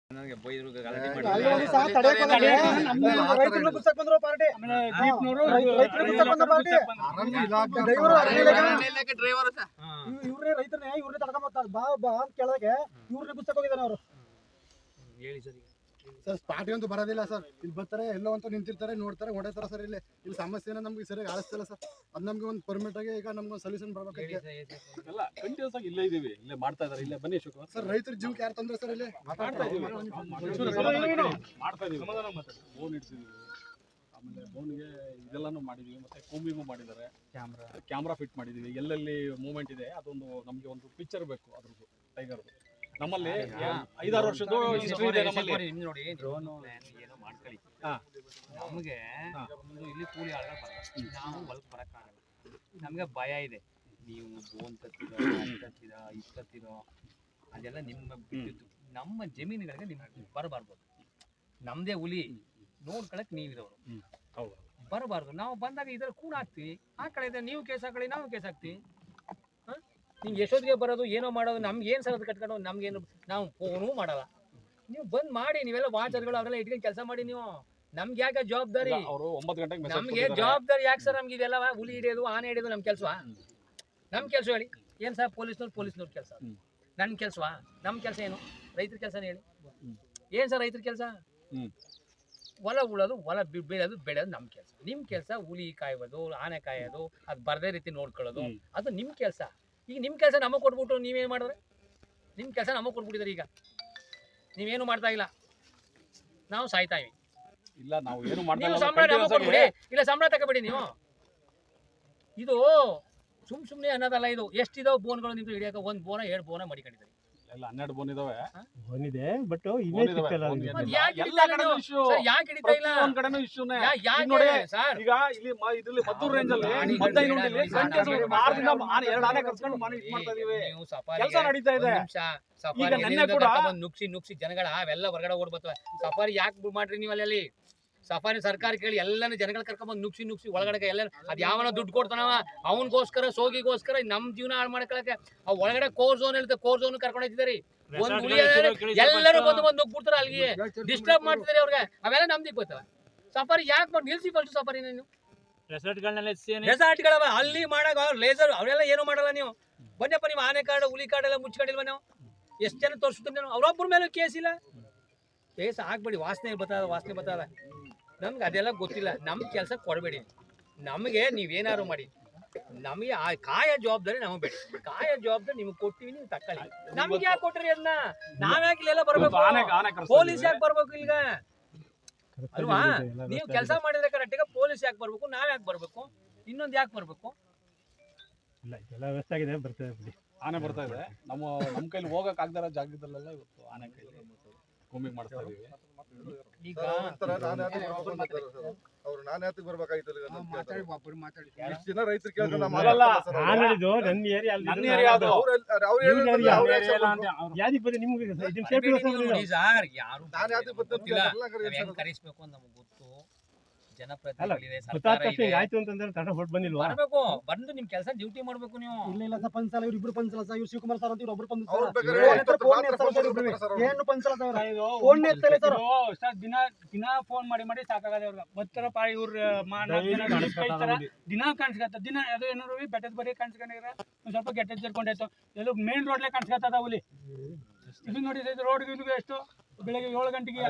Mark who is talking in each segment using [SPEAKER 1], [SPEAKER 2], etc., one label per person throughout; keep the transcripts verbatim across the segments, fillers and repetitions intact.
[SPEAKER 1] ನನಗೆ ಬೈದ್ರು ಗಲಾಟೆ ಮಾಡಿ
[SPEAKER 2] ಅಲ್ಲೋಗಿ ಸಹ ತಡೆಯಕ್ಕೆ ಹೋದ್ರೆ ನಮ್ಮ ರೈತರನ್ನ ಗುಚ್ಚಕ್ಕೆ ಬಂದ್ರು ಪಾರ್ಟಿ ಆಮೇಲೆ ದೀಪ್ನವರು ರೈತರನ್ನ ಗುಚ್ಚಕ್ಕೆ ಬಂದ ಪಾರ್ಟಿ ಅರಣ್ಯ ಇಲಾಖೆ ಡ್ರೈವರ್ ಅರಣ್ಯ ಇಲಾಖೆ ಡ್ರೈವರ್ ಸರ್ ಇವ್ರೇ ರೈತರನ್ನ ಇವ್ರೇ ತಡ್ಕೊಂಡ್ ಬರ್ತಾರೆ ಬಾ ಬಾ ಅಂತ ಕೇಳಕ್ಕೆ ಇವ್ರನ್ನ ಗುಚ್ಚಕ್ಕೆ ಹೋಗಿದ್ದಾರೆ ಅವರು
[SPEAKER 1] ಹೇಳಿ ಸರ್
[SPEAKER 2] ಸರ್ ಸ್ಪಾಟಿ ಅಂತೂ ಬರೋದಿಲ್ಲ ಸರ್ ಇಲ್ಲಿ ಬರ್ತಾರೆ ಎಲ್ಲೋ ಅಂತ ನಿಂತಿರ್ತಾರೆ ನೋಡ್ತಾರೆ ಹೊಡೆತಾರೆ ಸರ್ ಇಲ್ಲಿ ಇಲ್ಲಿ ಸಮಸ್ಯೆನ ನಮ್ಗೆ ಸರಿಯಾಗಿ ಆಳಿಸ್ತಿಲ್ಲ ಸರ್ ಅದು ನಮ್ಗೆ ಒಂದು ಪರ್ಮಿಟ್ ಆಗಿ ಈಗ ನಮ್ಗೆ ಒಂದು ಸೊಲ್ಯೂಷನ್ ಬರ್ಬೇಕಾಗಿದೆ
[SPEAKER 3] ಎಲ್ಲ ಕಂಟಿನ್ಯೂಸ್ ಆಗಿ ಇಲ್ಲೇ ಇದೀವಿ ಇಲ್ಲೇ ಮಾಡ್ತಾ ಇದಾರೆ ಇಲ್ಲೇ ಬನ್ನಿ ಶಿವಕುಮಾರ್
[SPEAKER 2] ಸರ್ ರೈತರ ಜೀವಕ್ಕೆ ಯಾರು ತಂದ್ರೆ ಸರ್ ಇಲ್ಲಿ
[SPEAKER 3] ಮಾಡ್ತಾ ಇದೀವಿ ಮಾಡ್ತಾ ಇದೀವಿ ಬೋನ್ ಇಡ್ಸಿದೀವಿ ಆಮೇಲೆ ಬೋನ್ಗೆ ಇದೆಲ್ಲಾನು ಮಾಡಿದೀವಿ ಮತ್ತೆ ಕೂಂಬಿಂಗು ಮಾಡಿದ್ದಾರೆ ಕ್ಯಾಮ್ರಾ ಕ್ಯಾಮ್ರಾ ಫಿಟ್ ಮಾಡಿದೀವಿ ಎಲ್ಲೆಲ್ಲಿ ಮೂವ್ಮೆಂಟ್ ಇದೆ ಅದೊಂದು ನಮಗೆ ಒಂದು ಪಿಕ್ಚರ್ ಬೇಕು ಅದ್ರದ್ದು ಟೈಗರ್ದು ನಮ್ಮಲ್ಲಿ ಐದಾರು ವರ್ಷದ ಹಿಸ್ಟ್ರಿ ಇದೆ ನಮ್ಮಲ್ಲಿ
[SPEAKER 1] ನೋಡಿ ಡ್ರೋನ್ ಏನೋ ಮಾಡ್ಕೊಳ್ಳಿ ನಮಗೆ ಇಲ್ಲಿ ಕೂಲಿ ಆಳ್ಗಳು ಬರಲ್ಲ ನಾವು ಹೊಲಕ್ಕೆ ಬರೋಕ್ಕಾಗಲ್ಲ ನಮಗೆ ಭಯ ಇದೆ ನೀವು ಬೋನ್ ತತ್ತಿರೋ ತತ್ತಿರೋ ಇಷ್ಟತ್ತಿರೋ ಅದೆಲ್ಲ ನಿಮ್ಮ ಬಿಟ್ಟಿದ್ದು ನಮ್ಮ ಜಮೀನುಗಳಿಗೆ ನಿಮ್ಗೆ ಬರಬಾರ್ದು ನಮ್ಮದೇ ಹುಲಿ ನೋಡ್ಕೊಳಕ್ಕೆ ನೀವಿರೋರು ಬರಬಾರ್ದು ನಾವು ಬಂದಾಗ ಇದ್ರಲ್ಲಿ ಕೂಡ ಹಾಕ್ತೀವಿ ಆ ಕಡೆ ಇದೆ ನೀವು ಕೇಸ್ ಹಾಕೊಳ್ಳಿ ನಾವು ಕೇಸ್ ಹಾಕ್ತೀವಿ ನಿಮ್ಗೆ ಎಷ್ಟೊತ್ತಿಗೆ ಬರೋದು ಏನೋ ಮಾಡೋದು ನಮ್ಗೆ ಏನು ಸರದು ಕಟ್ಕೊಂಡು ನಮ್ಗೇನು ನಾವು ಫೋನೂ ಮಾಡಲ್ಲ ನೀವು ಬಂದ್ ಮಾಡಿ ನೀವೆಲ್ಲ ವಾಚರ್ಗಳು ಅವರೆಲ್ಲ ಇಟ್ಕೊಂಡು ಕೆಲಸ ಮಾಡಿ ನೀವು ನಮ್ಗೆ ಯಾಕೆ ಜವಾಬ್ದಾರಿ ನಮ್ಗೆ ಜವಾಬ್ದಾರಿ ಯಾಕೆ ಸರ್ ನಮ್ಗೆ ಇದೆಲ್ಲ ಹುಲಿ ಹಿಡಿಯೋದು ಆನೆ ಹಿಡಿಯೋದು ನಮ್ ಕೆಲಸ ನಮ್ ಕೆಲಸ ಹೇಳಿ ಏನ್ ಸರ್ ಪೊಲೀಸ್ನವ್ರು ಪೊಲೀಸ್ನವ್ರ ಕೆಲಸ ನನ್ ಕೆಲಸವಾ ನಮ್ ಕೆಲಸ ಏನು ರೈತರ ಕೆಲಸನೇ ಹೇಳಿ ಏನ್ ಸರ್ ರೈತರ ಕೆಲಸ ಹೊಲ ಉಳೋದು ಹೊಲ ಬೀಳೋದು ಬೆಳೆಯೋದು ನಮ್ ಕೆಲಸ ನಿಮ್ ಕೆಲಸ ಹುಲಿ ಕಾಯೋದು ಆನೆ ಕಾಯೋದು ಅದು ಬರ್ದೇ ರೀತಿ ನೋಡ್ಕೊಳ್ಳೋದು ಅದು ನಿಮ್ ಕೆಲಸ ಈಗ ನಿಮ್ಮ ಕೆಲಸ ನಮಗೆ ಕೊಟ್ಬಿಟ್ಟು ನೀವೇನು ಮಾಡಿದ್ರೆ ನಿಮ್ಮ ಕೆಲಸ ನಮಗೆ ಕೊಟ್ಬಿಟ್ಟಿದ್ದಾರೆ ಈಗ ನೀವೇನು ಮಾಡ್ತಾ ಇಲ್ಲ ನಾವು ಸಾಯ್ತಾ ಇವಿ
[SPEAKER 3] ಇಲ್ಲ ನಾವು ಏನು ಮಾಡ್ತಾ
[SPEAKER 1] ನೀವು ಸಂಬಳ ನಮಗೆ ಕೊಟ್ಬಿಡಿ ಇಲ್ಲ ಸಂಬಳ ತಗೋಬೇಡಿ ನೀವು ಇದು ಸುಮ್ ಸುಮ್ಮನೆ ಅನ್ನೋದಲ್ಲ ಇದು ಎಷ್ಟಿದಾವೆ ಬೋನ್ಗಳು ನಿಮ್ದು ಹಿಡಿಯೋಕೆ ಒಂದು ಬೋನ ಎರಡು ಬೋನ ಮಡಿಕೊಂಡಿದ್ದಾರೆ
[SPEAKER 3] ಎಲ್ಲ ಹನ್ನೆರಡು ಬೋನ್ ಇದಾವೆ
[SPEAKER 2] ಬೋನ್ ಇದೆ ಬಟ್ ಇಮೇಜ್ ಸಿಕ್ಕಲ್ಲ
[SPEAKER 3] ಎಲ್ಲ ಕಡೆನೂ ಇಶ್ಯೂ
[SPEAKER 1] ಯಾಕೆ ಹಿಡಿತಾ ಇಲ್ಲ
[SPEAKER 3] ಒಂದ್ ಕಡೆನೂ ಇಶ್ಯೂನೇ
[SPEAKER 1] ನೋಡಿ ಸರ್
[SPEAKER 3] ಈಗ ಇಲ್ಲಿ ಇದ್ರಲ್ಲಿ ಮದ್ದೂರು ರೇಂಜ್ ಅಲ್ಲಿ ಮದ್ದೈದು ನೋಡಿಲಿ ಆರರಿಂದ ಎರಡು ಆನೆ ಕರ್ಸ್ಕೊಂಡು ಮಾನಿಟ್ ಮಾಡ್ತಾ ಇದೀವಿ ಕೆಲಸ ನಡೀತಾ ಇದೆ ಈಗ ನೆನ್ನೆ ಕೂಡ
[SPEAKER 1] ನುಗ್ಸಿ ನುಗ್ಸಿ ಜನಗಳ ಅವೆಲ್ಲ ಹೊರಗಡೆ ಓಡ್ಬರ್ತವೆ ಸಫಾರಿ ಯಾಕೆ ಮಾಡ್ರಿ ನೀವು ಅಲ್ಲಿ ಸಫಾರಿ ಸರ್ಕಾರ ಕೇಳಿ ಎಲ್ಲಾನು ಜನಗಳು ಕರ್ಕೊಂಡ್ಬಂದು ನುಗ್ಸಿ ನುಗ್ಸಿ ಒಳಗಡೆ ಎಲ್ಲ ಅದ್ ಯಾವನ ದುಡ್ಡು ಕೊಡ್ತಾನವ ಅವನಿಗೋಸ್ಕರ ಸೋಗಿಗೋಸ್ಕರ ನಮ್ ಜೀವನ ಹಾಳು ಮಾಡ್ಕೊಳಕ್ಕೆ ಆ ಒಳಗಡೆ ಕೋರ್ ಝೋನ್ ಇರುತ್ತೆ ಕೋರ್ ಝೋನ್ ಕರ್ಕೊಂಡು ಹೋಗ್ತಿದಾರಿ ಒಂದ್ ಹುಲಿ ಎಲ್ಲರೂ ಬಂದು ಬಂದು ನುಗ್ಬಿಡ್ತಾರ ಅಲ್ಲಿಗೆ ಡಿಸ್ಟರ್ಬ್ ಮಾಡ್ತಿದಾರೆ ಅವ್ರಿಗೆ ಅವೆಲ್ಲ ನಮ್ದಿಕ್ ಬರ್ತವೆ ಸಫಾರಿ ಯಾಕೆ ಮಾಡಿ ನಿಲ್ಸಿ ಫಸ್ಟ್ ಸಫಾರಿ ನೀವು ರೆಸಾರ್ಟ್ಗಳವ ಅಲ್ಲಿ ಮಾಡಾಗ ಲೇಸರ್ ಅವರೆಲ್ಲ ಏನು ಮಾಡಲ್ಲ ನೀವು ಬನ್ನಪ್ಪ ನೀವು ಆನೆ ಕಾರ್ಡ್ ಹುಲಿ ಕಾರ್ಡ್ ಎಲ್ಲ ಮುಚ್ಕೊಂಡಿಲ್ವ ನಾವು ಎಷ್ಟು ಜನ ತೋರಿಸ್ತೀನಿ ಅವ್ರೊಬ್ಬರ ಮೇಲೆ ಕೇಸ್ ಇಲ್ಲ ಕೇಸ್ ಹಾಕ್ಬೇಡಿ ವಾಸನೆ ಬರ್ತದ ವಾಸನೆ ಬರ್ತದ ನಮ್ಗೆ ಅದೆಲ್ಲ ಗೊತ್ತಿಲ್ಲ ನಮ್ ಕೆಲಸ ಕೊಡಬೇಡಿ ನಮಗೆ ನೀವೇನಾದ್ರು ಮಾಡಿ ನಮಗೆ ಆ ಕಾಯ ಜವಾಬ್ದಾರಿ ನಮಗೆ ಬೇಡಿ ಕಾಯ ಜವಾಬ್ದಾರಿ ನಿಮ್ಗೆ ಕೊಟ್ಟಿವಿ ನೀವು ತಕೊಳ್ಳಿ ನಮ್ಗೆ ಯಾಕೆ ಕೊಟ್ರಿ ಅದನ್ನ ನಾವ್ಯಾಕೆ ಇಲ್ಲೆಲ್ಲ ಬರ್ಬೇಕು ಪೊಲೀಸ್ ಯಾಕೆ ಬರ್ಬೇಕು ಈಗ ಅಲ್ವಾ ನೀವು ಕೆಲಸ ಮಾಡಿದ್ರೆ ಕರೆಕ್ಟಿಗೆ ಪೊಲೀಸ್ ಯಾಕೆ ಬರ್ಬೇಕು ನಾವ್ ಯಾಕೆ ಬರ್ಬೇಕು ಇನ್ನೊಂದು ಯಾಕೆ ಬರ್ಬೇಕು
[SPEAKER 2] ಇಲ್ಲ ಎಲ್ಲ ವ್ಯವಸ್ಥೆ ಆಗಿದೆ ಬರ್ತದೆ ಬಿಡಿ
[SPEAKER 3] ಆನೆ ಬರ್ತಾ ಇದೆ ನಮ್ಮ ನಮ್ಮ ಕೈಲಿ ಹೋಗಕ್ ಆಗದಾರ ಜಾಗದಲ್ಲೆಲ್ಲ ಇವತ್ತು ಆನೆ ಕೈಲಿ ಕೂಂಬಿಂಗ್ ಮಾಡ್ತಾ ಇದೀವಿ
[SPEAKER 1] ಈಗ
[SPEAKER 4] ಅವ್ರು ನಾನು ಯಾತಕ್ಕೆ ಬರ್ಬೇಕಾಗಿತ್ತು
[SPEAKER 2] ನನ್ನ ಏರಿಯಾ
[SPEAKER 3] ನನ್ನ ಏರಿಯಾ ಅದು
[SPEAKER 1] ಯಾರು ಕರೆಸ್ಬೇಕು ಅಂತ ನಮ್ಗೆ ಗೊತ್ತು ಜನಪ್ರತಿನಿಧಿಗಳಿದೆ
[SPEAKER 2] ಆಯ್ತು ಅಂತಂದ್ರೆ ತಡ ಹೊಟ್ಟು ಬಂದಿಲ್ವಾ
[SPEAKER 1] ಬರ್ಬೇಕು ಬಂದು ನಿಮ್ ಕೆಲಸ ಡ್ಯೂಟಿ ಮಾಡ್ಬೇಕು ನೀವು
[SPEAKER 2] ಇಲ್ಲ ಇಲ್ಲ ಸರ್ ಪಂಚಲ ಇವ್ರು ಇಬ್ರು ಪಂಚಲ ಸರ್ ಇವ್ರು ಶಿವಕುಮಾರ್ ಸರ್ ಅಂತ ಇವ್ರು ಒಬ್ರು ಏನು ಪಂಚಲ
[SPEAKER 5] ಸರ್ ದಿನ ದಿನ ಫೋನ್ ಮಾಡಿ ಮಾಡಿ ಸಾಕಾಗದೆ ಅವ್ರಿಗೆ ಬರ್ತಾರ ಪಾ ಇವ್ರ ದಿನ ಕಾಣಿಸ್ಕತ್ತ ದಿನ ಅದು ಏನಾರು ಬೆಟ್ಟದ ಬರೀ ಕಾಣಿಸ್ಕೊಂಡಿರ ಒಂದ್ ಸ್ವಲ್ಪ ಗೆಟ್ಟ ಸೇರ್ಕೊಂಡಾಯ್ತು ಎಲ್ಲ ಮೇನ್ ರೋಡ್ಲೆ ಕಾಣಿಸ್ಕತ್ತದ ಅವಲಿ ಇದು ನೋಡಿ ರೋಡ್ ಎಷ್ಟು ಬೆಳಗ್ಗೆ ಏಳು ಗಂಟೆಗೆ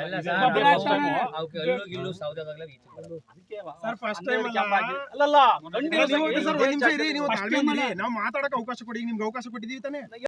[SPEAKER 2] ನಾವು ಮಾತಾಡಕ್ಕೆ ಅವಕಾಶ ಕೊಡಿ ನಿಮ್ಗೆ ಅವಕಾಶ ಕೊಟ್ಟಿದೀವಿ ತಾನೆ.